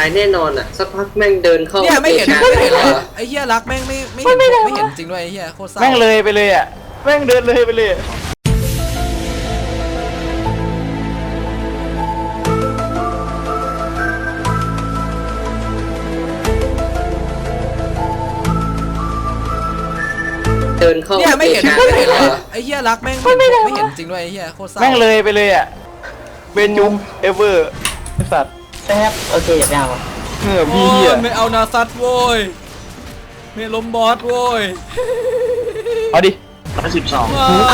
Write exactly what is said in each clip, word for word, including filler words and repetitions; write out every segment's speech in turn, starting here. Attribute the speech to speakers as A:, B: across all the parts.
A: ายแน่นอนอ่ะสักพักแม่งเดินเข้า
B: เนี่ยไม่เห็น
A: นะ
B: ไม่เห็นเหรอไอ้เหี้ยรักแม่งไม่ไม่เห็นไม่เห็นจริงด้วยไอ้เหี้ยโคตรเศร้า
C: แม่งเลยไปเลยอ่ะแม่งเดินเลยไปเลย
A: เดินเข้า
B: เนี่ยไม่เห็น
A: นะ
B: ไม่เห็นเหรอไอ้เหี้ยรักแม่งไม่ไม่เห็นจริงด้วยไอ้เหี้ยโคตรเศร้า
C: แม่งเลยไปเลยอ่ะเบนยุมเอเวอร์ไอ้สัตว์
D: แป๊บโอเคอย่าไปเอา
C: เงื่อ
B: โอ้
C: พี่เหี้ย
B: ยไม่เอานาซัตโว้ยไม่ล้มบอสโว้ย
C: เอาดิ
D: ร้อยสิบสอง
B: เอา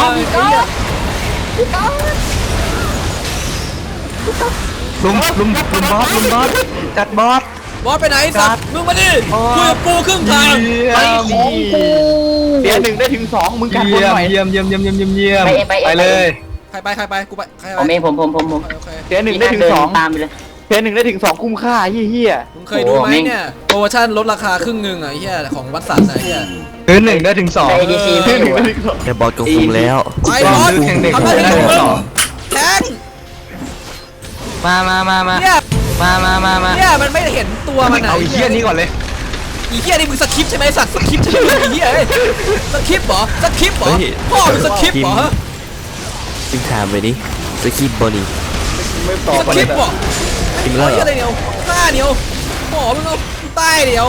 C: ลุมลุมลุมบอสลุมบอสจัดบอส
B: บอสไปไหนสัตว์มึงมาดิคุยกับกูครึ่งทาง
C: ไปของกูเดี๋ยวหนึ่งได้ถึงสองมึงกันคนหน่อยเยี่ยมเยี่ยมเยี่ยมเยี่ยมเยี่ยมเยี่ยม
D: ไปเองไปเอง
C: ไปเลย
B: ใครไปใครไปกูไปใครไป
D: ผมเองผมผมผมผม
B: โอเค
C: เดี๋ยวหนึ่งได้ถึงสอง
D: ตามไปเลย
C: เดี๋ยวหนึ่งได้ถึงสองคุ้มค่าเฮี้ยเฮี้ย
B: มึงเคยดูไหมเนี่ยโปรโมชั่นลดราคาครึ่งหนึ่งอ่ะไอ้เหี้ยของวัดสันไอ้เหี้ย
C: เดือนหนึ่งได้ถึงสอง
D: แต่ เอ ดี ซี
C: เดื
D: ไม่
C: อนห
D: อ
C: นึ่ง
D: ยู่
C: ได้ถึงสอง
E: แต่บอสก็คุมแล้ว
B: ไปบอสทำหน้าที่ของมึงแทง
C: มามามามา
B: เนี่ย
C: มามามามา
B: เนี่ยมันไม่เห็นตัวมัน
C: เอาไอ้เฮี้ยนี้ก่อนเลย
B: อีเหี้ยนี่มึงสคริปต์ใช่ไหมสัตว์สคริปต์ใช่ไหมไอ้เหี้ยสคริปต์เหรอสคริปต์เหรอพ่อมึงสคริปต์เหรอ
E: จึงถามไปดิสกีบบอนี่
C: ไม่ตอบ
B: สคริปต์เหรอ
E: กินแล้วเหรอ
B: อะไรเดียวหน้าเดียวหมอมึงเอาใต้เดียว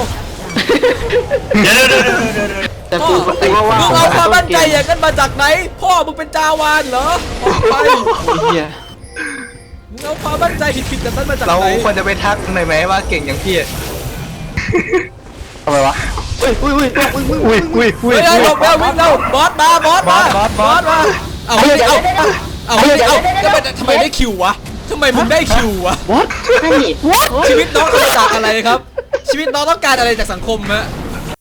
C: แต่กู
B: มึงเอาความมั่นใจอย่างนั้นมาจากไหนพ่อมึงเป็นจาวานเหรอออกไป
C: เฮี้ย
B: มึงเอาความมั่นใจผิดๆจากนั้นมาจาก
C: เรา
B: ไหน
C: ควรจะไปทักหน่อยไหมว่าเก่งอย่างพี่ทำไมวะอุ้ยอุ้ยอุ้ยอุ้ยอุ้ยอุ้ย
B: เฮ้ยหลบแล้ววิ่งแล้วบอสมาบอสมาบอสมาเอาเฮ้ยเอาเอาเฮ้ยเอาทำไมทำไมได้คิววะทำไมมึงได้คิววะ
C: what
D: นั่นนี่
B: ชีวิตน้องต้องการอะไรครับ ชีวิตน้องต้องการอะไรจากสังคมฮะ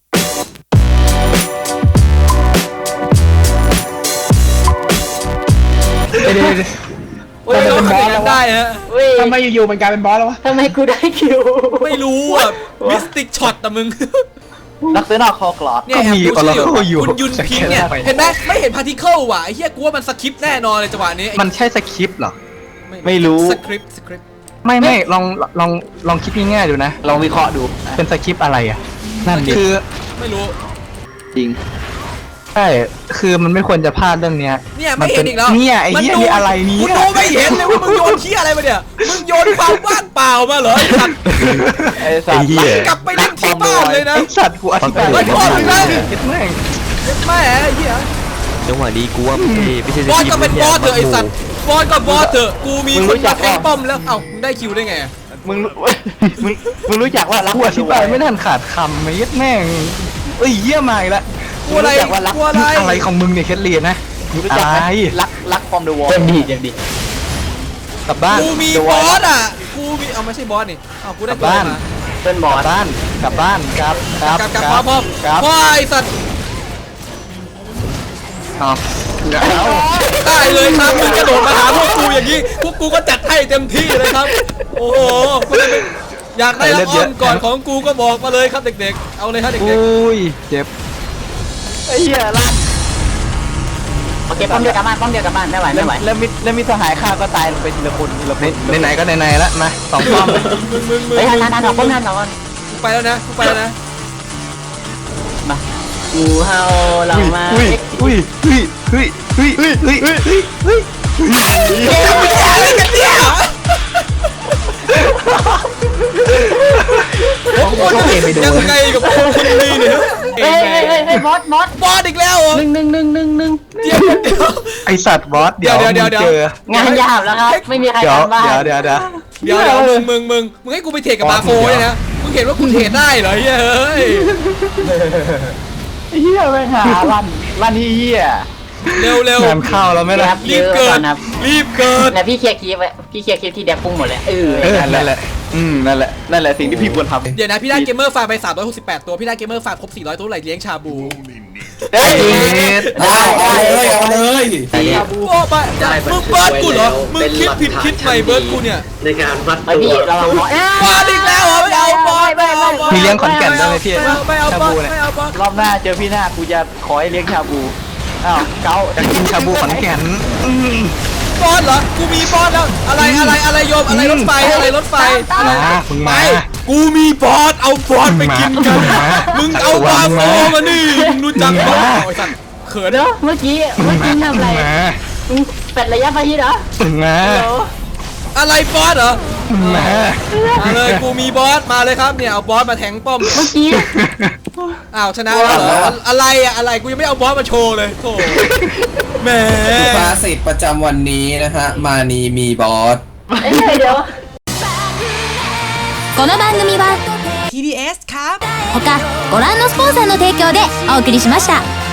B: โอ้ยน้องทำอย่างนั้นได้ฮะ
C: ทำไมอยู่ๆมันกลายเป็นบอสแล้ววะ
D: ทำไมกูได้คิว
B: ไม่รู้อ่ะมิสติกช็อตแต่มึง
C: ลักษณะคอกลอด
B: เนี่ยแอบดูชื่อคุณยุนพิงเนี่ยเห็นไหมไม่เห็นพาร์ติเคิลว่ะไอ้เหี้ยกูว่ามันสคริปต์แน่นอนเลยจังหวะนี้
C: มันใช่สคริปต์เหรอ
B: ไม่
C: ไม่รู้
B: สคริปต์สคริปต์
C: ไม่ไม่ลองลองลองคิดง่ายๆดูนะลองวิเคราะห์ดูเป็นสคริปต์อะไรอ่ะนั่นคือ
B: ไม่รู้
C: จริงใช่คือมันไม่ควรจะพลาดเรื่องเนี้ย
B: เนี่ยไม่เห็นอีกแล้ว
C: เนี่ยไอ้เหี้ยนี่อะไรนี้
B: กูดูไม่เห็นเลยว่ามึงโยนเหี้ยอะไรมาเนี่ยมึงโยนความว่างเปล่ามาเหรอไอ้สัตว์
C: ไอ้สัตว์
B: กลับไปเล่นที่บ้านเลยนะ
C: ไอ้สัตว์กูอธิบาย
B: ไม่พอเลยนะ
C: คิดแม่ง
B: แม่ไอ้เหี้ย
E: จังหวะนี้กูว่าไม่ใช่ไม่ใช่ส
B: บอส
E: กี
B: ก็เป็นบอสเถอะไอ้สัตว์บอสก็บอสเถอะกูมีคนมาแทงป้อมแล้วเอ้ามึงได้คิวได้ไง
C: มึงมึงมึงรู้จักว่ารักกูอธิบายไม่ทันขาดคำไม่ยัดแม่งเอ้ยเยี่ยมากละ
B: กลัวอะไรกลัวอะไร
C: อะไรของมึงเนี่ยแคทเลียนนะอะไรรักรักฟอร์มเดอะวอล
D: เต็มดีเต็มดี
C: กลับบ้าน
B: กูมีบอสอ่ะกูมีเอาไม่ใช่บอสนี่เอากูได้
C: กลับบ้าน
B: มา
D: เพื่อนบอก
C: ลับบ้านกลับบ้านครับครับ
B: กลับกลับพร้อมพร้อม
C: ครับ
B: พ่อไอ้สัตว์
C: เอาเอา
B: ได้เลยครับมึงกระโดดมาหาพวกกูอย่างนี้พวกกูก็จัดให้เต็มที่เลยครับโอ้โหอยากได้รับอ้อมก่อนของกูก็บอกมาเลยครับเด็กๆเอาเลยครับเด็ก
C: อุ้ยเจ็บไอ้เหี้ยลั่น
D: โอเคป้อมเดียวกลับบ้านป้อมเดียวกลับบ้านไม่ไหวไม่ไหว
C: แล้วมิแล้วมิสหายข้าก็ตายลงไปทีละคนทีละคนไหนๆก็ไหนๆแล้วมาสองป้อม
B: ๆมึงมึงมึง
D: เฮ้ยทันทันทันออกป้อมทันออกก่อน
B: กูไปแล้วนะกูไปแล้วนะ
D: มากูเฮาเรามา
C: อุ้ยอุ้ยอุ้ยอุ้ยอุ้ยอุ้ยอุ้ยอุ้ยอุ้ย
B: เฮ้ยมึงอะไรกันเนี่ยโอ้โหยังไงกับพวกคนนี้เนี่ย
D: เฮ้ยเฮ้ยเฮ้ยเฮ้ยบอสบอส
B: บอสอีกแล้วเหรอ
D: หนึ่งหนึ่งหนึ่งหนึ่งหนึ่ง
B: เดี๋ยวเดี๋ยว
C: ไอสัตว์บอสเดี๋ยว
B: เดี๋ยวเดี๋ยว
C: มึงเจอง
D: านยาวแล้วครับไม่มีใคร
C: เดี๋ยว
D: ทำบ้าน
C: เดี๋ยวเดี๋ยวเดี๋ยว
B: เดี๋ยวเดี๋ยวมึงมึงมึงมึงให้กูไปเทรดกับมาโฟเนี่ยนะมึงเห็นว่ากูเทรดได้เหรอเฮ้ย
C: เฮียไม่หาลั่นลั่นเฮีย
B: เร็วเร็ว
C: งานเข้าแล้วไหมล่ะ
B: รีบเกิดรีบเกิด
D: นะพี่เคลียร์คลิปไว้พี่เคลียร์คลิปที่แดกปุ้งหมดเลยเออ
C: เออนั่นแหละอืมนั่นแหละนั่นแหละสิ่งที่พี่ควรทำ
B: เดี๋ยวนะพี่ได้เกมเมอร์ฟาร์มไปสามร้อยหกสิบแปดตัวพี่ได้เกมเมอร์ฟาร์มครบสี่ร้อยตัวไหลเลี้ยงชาบู
C: เฮ้ย
D: ได้ได้
E: เอาเลย
B: ชาบูโอ้ไปมึงเบิร์ดกูเหรอมึงคิดผิดคิดใหม่เบิร์ดกูเนี่ย
A: ในการวัด
D: ไอพี่ระวังบอส
B: บอสอีกแล้วเหรอไม่เอาบอสไม่เอาบอส
C: มีเลี้ยงขอนแก่นด้วยไหมพี่
B: ไม่เอาไม่เอา
C: ชา
B: บอส
C: บูเนี่ย
B: ไม่เอาบอส
C: รอบหน้าเจอพี่หน้ากูจะขอให้เลี้ยงชาบูอ้าวเก้าจะกินชาบูขอนแก่นอืม
B: บอสเหรอกูมีบอสแล้วอะไรอะไรอะไรโยมอะไรรถไฟอะไรรถไฟ
C: มามึงมา
B: กูมีบอสเอาบอสไปกินกันมึงเอาบาโฟมานี่มึงรู้จักบอสไอ้สัตว์เขิน
D: เดี๋ยวเมื่อกี้เมื่อกี้ทำอะไรมึงเป็ดระยะประชิดเหรอ
C: มา
D: ฮัลโหล
B: อะไรบอสเหรอ
C: มา
B: มาเลยกูมีบอสมาเลยครับเนี่ยเอาบอสมาแทงป้อมเนี่ย
D: เมื่อกี้
B: อ้าวชนะแล้วเหรออะอะไรอะอะไรกูยังไม่เอาบอสมาโชว์เลยโธ่แหม
F: ภาษิตประจำวันนี้นะฮะมานีมีบอส
D: เอ้ยเดี๋ยว
G: この番組は
H: ที ดี เอส ครับ
G: 他ご覧のスポンサーの提供でお送りしました。